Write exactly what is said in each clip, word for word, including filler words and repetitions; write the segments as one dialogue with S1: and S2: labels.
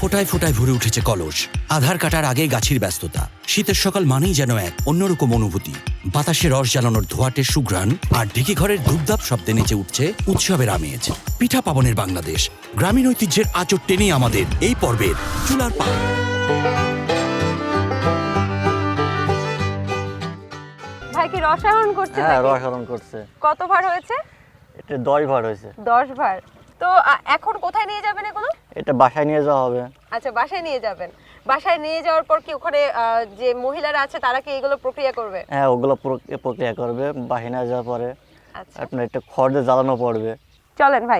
S1: ফোটায় ফোটায় ভরে উঠেছে কলস। আধার কাটার আগে গাছির ব্যস্ততা। শীতের সকাল মানেই যেন এক অন্যরকম অনুভূতি। বাতাসে রস জ্বালানোর ধোঁয়াটে সুঘ্রাণ আর ঢেকি ঘরের ধূপধাপ শব্দে নেচে উঠছে উৎসবের আমেজ। পিঠা পাবনের বাংলাদেশ, গ্রামীণ ঐতিহ্যের আঁচড় টেনেই আমাদের এই পর্বের চুলার পাল।
S2: ভাই কি রসায়ন করছে?
S3: হ্যাঁ, রসায়ন করছে।
S2: কত ভার হয়েছে?
S3: এটা দশ ভার হয়েছে।
S2: দশ ভার। তো এখন কোথায় নিয়ে যাবেন এগুলো?
S3: এটা বাসায় নিয়ে যাওয়া হবে।
S2: আচ্ছা, বাসায় নিয়ে যাবেন। বাসায় নিয়ে যাওয়ার পর কি ওখানে যে মহিলারা আছে তারা কি এগুলো প্রক্রিয়া করবে?
S3: হ্যাঁ, ওগুলো প্রক্রিয়া করবে। বাসায় নিয়ে যাওয়ার পরে
S2: আচ্ছা,
S3: আপনার একটা খড় দিয়ে জ্বালানো পড়বে।
S2: চলেন ভাই।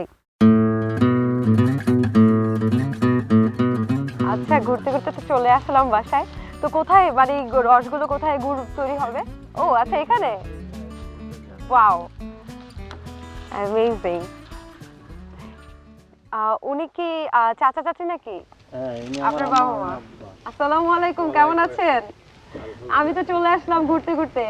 S2: আচ্ছা, ঘুরতে ঘুরতে তো চলে আসলাম বাসায়। তো কোথায় মানে রসগুলো কোথায় গুড় তৈরি হবে? ও আচ্ছা, এখানে। Wow, amazing. উনি কি চাচা চাচি নাকি? আপনার বাবা মা? আসসালামু আলাইকুম, কেমন আছেন? আমি তো চলে আসলাম ঘুরতে ঘুরতে।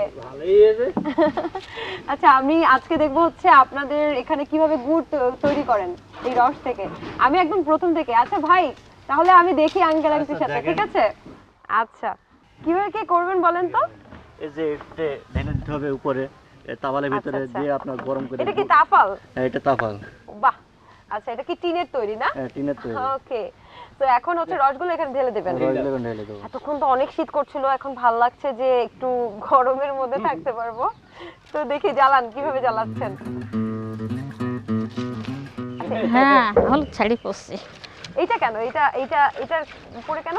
S2: আচ্ছা, আমি আজকে দেখবো হচ্ছে আপনাদের এখানে কিভাবে গুড় তৈরি করেন এই রস থেকে। আমি একদম প্রথম থেকে। আচ্ছা ভাই, তাহলে আমি দেখি আঙ্কেল আন্টির সাথে, ঠিক আছে? আচ্ছা, কিভাবে কি করবেন বলেন তো?
S3: এই যে এটা ঢেলে দিতে হবে উপরে তাওয়ালের ভিতরে দিয়ে আপনার গরম করে।
S2: এটা কি তাফাল?
S3: হ্যাঁ, এটা তাফাল।
S2: বাহ, আচ্ছা, এটা কি টিনের তৈরি না?
S3: হ্যাঁ, টিনের তৈরি।
S2: ওকে, তো এখন হচ্ছে রসগুলো এখানে ঢেলে দেবেন।
S3: রসগুলো ঢেলে দেব।
S2: এতক্ষণ তো অনেক শীত করছিল, এখন ভালো লাগছে যে একটু গরমের মধ্যে থাকতে পারবো। তো দেখি জ্বালান, কিভাবে জ্বালাচ্ছেন।
S4: হ্যাঁ, হলুদ শাড়ি পরছি।
S2: এইটা কেন? এটা এটা এটার উপরে কেন?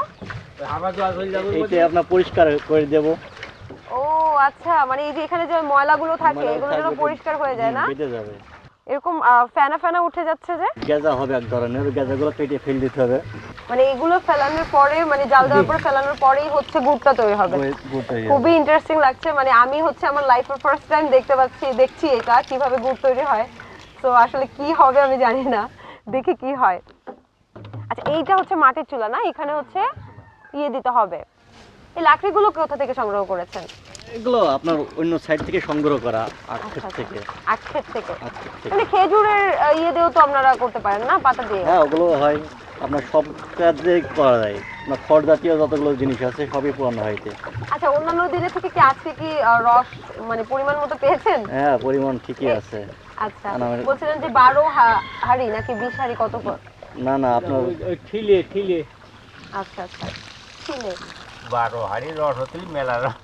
S3: এইটা আপনার পরিষ্কার করে দেব।
S2: ও আচ্ছা, মানে এই যে এখানে যে ময়লাগুলো থাকে এগুলো যেন পরিষ্কার হয়ে যায় না?
S3: কেটে যাবে।
S2: এরকম ফেনা ফেনা উঠে যাচ্ছে যে।
S3: গেজা হবে এক ধরনের, ওই গেজাগুলো কেটে ফেলে দিতে হবে।
S2: মানে এগুলো ফেলানোর পরে, মানে জাল দেওয়ার পর ফেলানোর পরেই হচ্ছে গুড়টা তৈরি হবে। খুবই ইন্টারেস্টিং লাগছে। মানে আমি হচ্ছে আমার লাইফের ফার্স্ট টাইম দেখতে পাচ্ছি দেখছি এটা কিভাবে গুড় তৈরি হয়। তো আসলে কি হবে আমি জানি না, দেখি কি হয়। আচ্ছা, এইটা হচ্ছে মাটির চুলা না? এখানে হচ্ছে ইয়ে দিতে হবে। এই লাকড়িগুলো কোথা থেকে সংগ্রহ করেছেন?
S3: এগুলো আপনার অন্য সাইড থেকে সংগ্রহ করা, আখের থেকে।
S2: আখের থেকে? মানে খেজুরের ইয়ে দিয়েও তো আপনারা করতে পারেন না, পাতা দিয়ে?
S3: হ্যাঁ, ওগুলো হয়। আপনার সব কাজে করা যায়। আপনার খড় জাতীয় যতগুলো জিনিস আছে সবই পুরানো হইতে।
S2: আচ্ছা, অন্যান্য দিনের থেকে কি আজকে কি রস মানে পরিমাণ মতো পেয়েছেন?
S3: হ্যাঁ, পরিমাণ ঠিকই আছে।
S2: আচ্ছা, বলছিলেন যে বারো হাড়ি নাকি বিশ হাড়ি? কত?
S3: না না, আপনার ওই ঠিলে ঠিলে।
S2: আচ্ছা আচ্ছা, ঠিলে
S3: বারো হাড়ি রস হতে মেলা রস।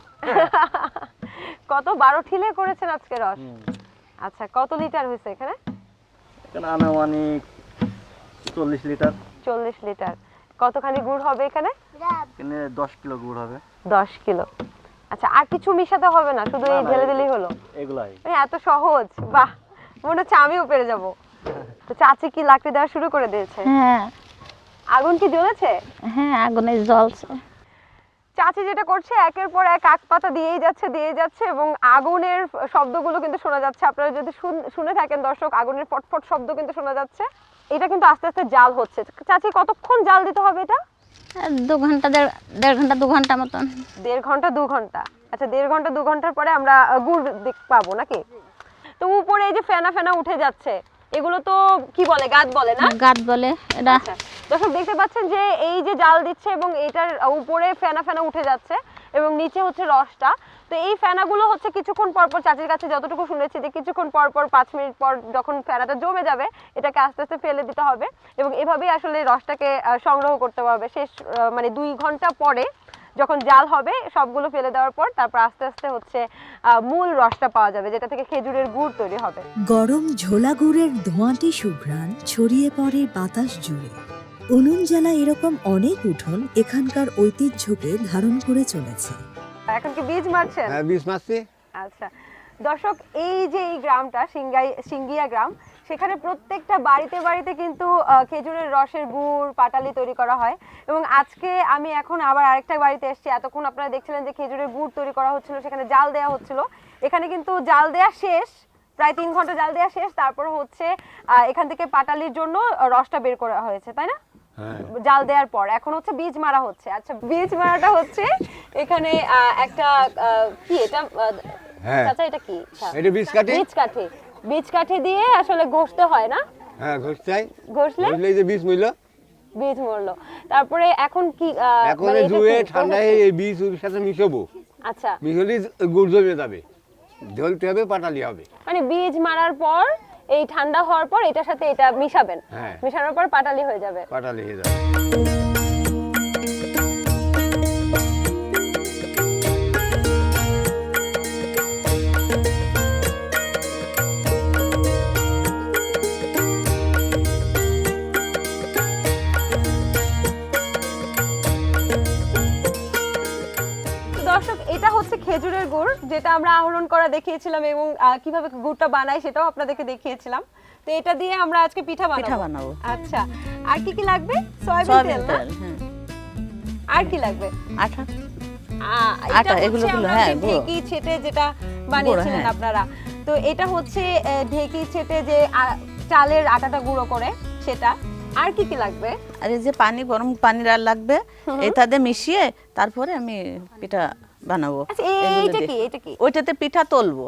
S2: কত? বারো ঠিলে করেছেন আজকে রস? আচ্ছা, কত লিটার হয়েছে এখানে?
S3: এখানে আনুমানিক চল্লিশ লিটার।
S2: চল্লিশ লিটার। কতখানি গুড় হবে এখানে?
S3: এখানে দশ কিলো গুড় হবে।
S2: দশ কিলো। আচ্ছা, আর কিছু মিশাতে হবে না, শুধু এই ঢেলে দিলেই হলো?
S3: এগুলাই।
S2: এত সহজ? বাহ, মনে হচ্ছে আমিও পেরে যাবো। তো চাচি কি লাকড়ি দেওয়া শুরু করে দিয়েছে?
S4: হ্যাঁ।
S2: আগুন কি জ্বলেছে?
S4: হ্যাঁ, আগুনে জ্বলছে।
S2: চাচি যেটা করছে একের পর এক আখ পাতা দিয়েই যাচ্ছে দিয়েই যাচ্ছে এবং আগুনের শব্দগুলো কিন্তু শোনা যাচ্ছে। আপনারা যদি শুনে থাকেন দর্শক, আগুনের ফটফট শব্দ কিন্তু শোনা যাচ্ছে। এটা কিন্তু আস্তে আস্তে জাল হচ্ছে। চাচি, কতক্ষণ জাল দিতে হবে এটা?
S4: দু ঘন্টা দেড় দেড় ঘন্টা দু ঘন্টা মতন।
S2: দেড় ঘন্টা দু ঘন্টা। আচ্ছা, দেড় ঘন্টা দু ঘন্টার পরে আমরা গুড় পাবো নাকি? তো উপরে এই যে ফেনা ফেনা উঠে যাচ্ছে, এগুলো তো কি বলে, গাদ বলে না?
S4: গাদ বলে এটা।
S2: দর্শক দেখতে পাচ্ছেন যে এই যে জাল দিচ্ছে এবং এটার উপরে ফেনা ফেনা উঠে যাচ্ছে এবং নিচে হচ্ছে রসটা। তো এই ফেনাগুলো হচ্ছে কিছুক্ষণ পর পর, চাচির কাছে যতটুকু শুনেছি যে কিছুক্ষণ পর পর পাঁচ মিনিট পর যখন ফেনাটা জমে যাবে এটাকে আস্তে আস্তে ফেলে দিতে হবে এবং এভাবেই আসলে রসটাকে সংগ্রহ করতে হবে। শেষ মানে দুই ঘন্টা পরে যখন জাল হবে সবগুলো ফেলে দেওয়ার পর তারপর আস্তে আস্তে হচ্ছে মূল রসটা পাওয়া যাবে, যেটা থেকে খেজুরের গুড় তৈরি হবে।
S5: গরম ঝোলা গুড়ের ধোঁয়াটি সুঘ্রাণ ছড়িয়ে পড়ে বাতাস জুড়ে। উনুন জ্বালা এরকম অনেক উঠোন এখানকার ঐতিহ্যকে ধারণ করে চলেছে।
S2: এখন কি বীজ মারছেন?
S6: হ্যাঁ, বীজ মারছি।
S2: আচ্ছা দর্শক, এই যে এই গ্রামটা সিঙ্গাই সিঙ্গিয়া গ্রাম, সেখানে প্রত্যেকটা বাড়িতে বাড়িতে কিন্তু খেজুরের রসের গুড় পাটালি তৈরি করা হয় এবং আজকে আমি এখন আবার আরেকটা বাড়িতে এসেছি। এতক্ষণ আপনারা দেখছিলেন যে খেজুরের গুড় তৈরি করা হচ্ছিল, সেখানে জাল দেওয়া হচ্ছিল। এখানে কিন্তু জাল দেওয়া শেষ, প্রায় তিন ঘন্টা জাল দেওয়া শেষ। তারপর হচ্ছে এখান থেকে পাটালির জন্য রসটা বের করা হয়েছে, তাই না? জাল দেওয়ার পর এখন হচ্ছে বীজ মারা হচ্ছে। আচ্ছা, বীজ মারাটা হচ্ছে এখানে একটা কি এটা?
S6: হ্যাঁ,
S2: আচ্ছা, এটা কি?
S6: এটা বীজ কাঠি।
S2: বীজ কাঠি। বীজ কাঠি দিয়ে আসলে ঘষতে হয় না?
S6: হ্যাঁ, ঘষতে হয়।
S2: ঘষলে
S6: এই যে বীজ মইল
S2: বীজ মরলো, তারপরে এখন কি আহ,
S6: এখন
S2: মানে এটা
S6: ধুয়ে
S2: কি
S6: ঠান্ডায়
S2: process?
S6: এই বীজ ওর সাথে মিশাবো,
S2: আচ্ছা,
S6: মিশালে গুড় জমে যাবে, ঢলতে হবে, পাটালি হবে।
S2: মানে বীজ মারার পর এই ঠান্ডা হওয়ার পর এটার সাথে এটা মিশাবেন,
S6: হ্যাঁ।
S2: মিশানোর পর পাটালি হয়ে যাবে।
S6: পাটালি হয়ে যাবে।
S2: তো দর্শক, এটা হচ্ছে খেজুরের গুড়, যেটা আমরা আহরণ করা দেখিয়েছিলাম এবং আহ, কিভাবে গুড়টা বানাই সেটাও আপনাদেরকে দেখিয়েছিলাম। তো এটা দিয়ে আমরা আজকে পিঠা বানাবো।
S7: পিঠা বানাবো।
S2: আচ্ছা, আর কি কি লাগবে? সয়াবিন
S7: সয়াবিন
S2: তেল না?
S7: তেল, হ্যাঁ।
S2: আর কি লাগবে?
S7: আটা,
S2: আহ, এটা
S7: আটা,
S2: হচ্ছে
S7: এগুলো গুলো,
S2: আমরা
S7: হ্যাঁ,
S2: যে
S7: গুঁড়ো।
S2: ঢেঁকি ছেটে যেটা বানিয়েছিলেন
S7: হ্যাঁ।
S2: আপনারা, তো এটা হচ্ছে আহ, ঢেঁকি ছেটে যে আহ, চালের আটাটা গুঁড়ো করে সেটা। আর কি কি লাগবে?
S7: আর এই যে পানি, গরম পানি আর লাগবে, এটাতে মিশিয়ে তারপরে আমি পিঠা বানাবো।
S2: আচ্ছা,
S7: এগুলো
S2: এইটা
S7: দিয়ে।
S2: কি এটা কি?
S7: ওইটাতে পিঠা তলবো।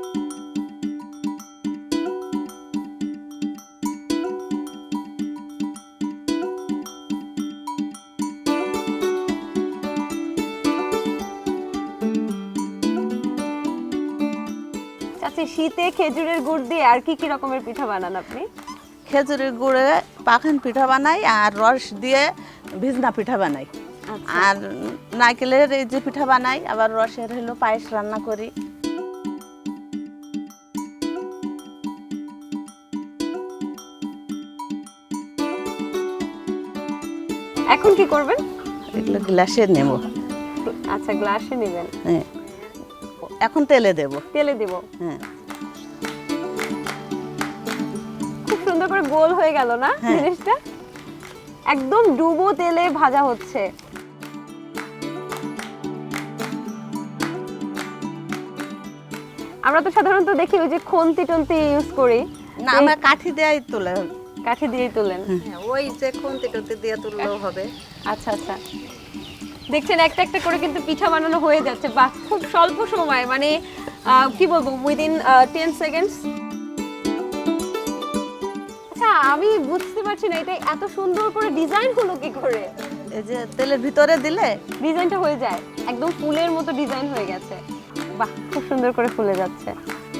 S2: আচ্ছা, শীতে খেজুরের গুড় দিয়ে আর কি কি রকমের পিঠা বানান আপনি?
S7: খেজুরের গুড়ে পাখান পিঠা বানাই, আর রস দিয়ে ভিজনা পিঠা বানাই, আর নারকেলের এই যে পিঠা বানাই, আবার রসের হলো পায়েস রান্না করি।
S2: এখন কি করবেন?
S7: এগুলো গ্লাসে নেব।
S2: আচ্ছা, গ্লাসে নেবেন।
S7: হ্যাঁ, এখন তেলে দেব।
S2: তেলে দেব।
S7: হ্যাঁ,
S2: খুব সুন্দর করে গোল হয়ে গেল না
S7: হ্যাঁ।
S2: জিনিসটা? একদম ডুবো তেলে ভাজা হচ্ছে। আমরা তো সাধারণত দেখি ওই যে খন্তি টন্তি ইউজ করি,
S7: না আমরা কাঠি দেয়াই তোলা।
S2: কাঠি দিয়েই তোলেন।
S7: ওই যে খুন্তি টুন্তি দিয়ে তুললেও হবে।
S2: আচ্ছা আচ্ছা, দেখছেন একটা একটা করে কিন্তু পিঠা বানানো হয়ে যাচ্ছে। বাহ, খুব স্বল্প সময়, মানে আহ, কি বলবো, উইদিন টেন সেকেন্ডস। আচ্ছা, আমি বুঝতে পারছি না এটা এত সুন্দর করে ডিজাইন হলো কি করে?
S7: এই যে তেলের ভিতরে দিলে
S2: ডিজাইনটা হয়ে যায় একদম ফুলের মতো, ডিজাইন হয়ে গেছে। বাহ, খুব সুন্দর করে ফুলে যাচ্ছে।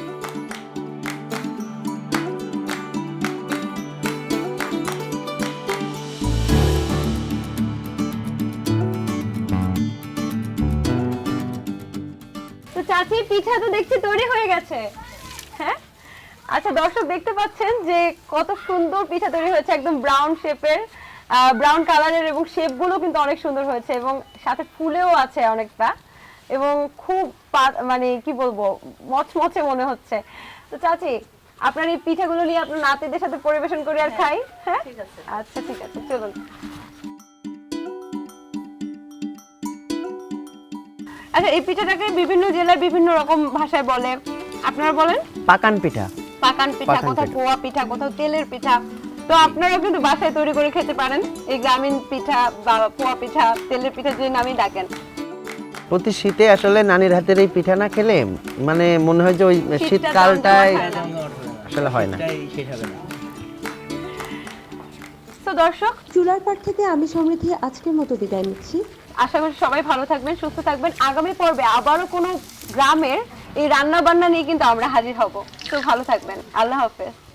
S2: তো চাচি, পিঠা তো দেখছি তৈরি হয়ে গেছে। হ্যাঁ, আচ্ছা দর্শক, দেখতে পাচ্ছেন যে কত সুন্দর পিঠা তৈরি হয়েছে, একদম ব্রাউন শেপের, ব্রাউন কালারের, এবং শেপগুলো কিন্তু অনেক সুন্দর হয়েছে এবং সাথে ফুলেও আছে অনেকটা, এবং খুব পা- মানে কি বলবো, মচমচে মনে হচ্ছে। তো চাচি, আপনার এই পিঠাগুলো নিয়ে আপনার নাতিদের সাথে পরিবেশন করি আর খাই। হ্যাঁ, আচ্ছা ঠিক আছে, চলুন। আচ্ছা, এই পিঠাটাকে বিভিন্ন জেলায় বিভিন্ন রকম ভাষায় বলে, আপনারা বলেন?
S8: পাকান পিঠা।
S2: পাকান পিঠা,
S8: পাকান
S2: কোথাও
S8: পিঠা।
S2: পোয়া পিঠা, কোথাও তেলের পিঠা। তো আপনারাও কিন্তু বাসায় তৈরি করে খেতে পারেন এই গ্রামীণ পিঠা বা পোয়া পিঠা, তেলের পিঠা, যে নামই ডাকেন।
S8: প্রতি শীতে আসলে নানির হাতের এই পিঠা না খেলে মানে মনে হয় যে ওই
S2: শীতটা
S8: শীতকালটাই
S2: জমজমাট হয় না।
S8: আসলে হয় না।
S2: তো দর্শক,
S9: চুলার পাড় থেকে আমি সমৃদ্ধি আজকের মতো বিদায় নিচ্ছি।
S2: আশা করি সবাই ভালো থাকবেন, সুস্থ থাকবেন। আগামী পর্বে আবারও কোনো গ্রামের এই রান্না বান্না নিয়ে কিন্তু আমরা হাজির হব। তো ভালো থাকবেন, আল্লাহ হাফেজ।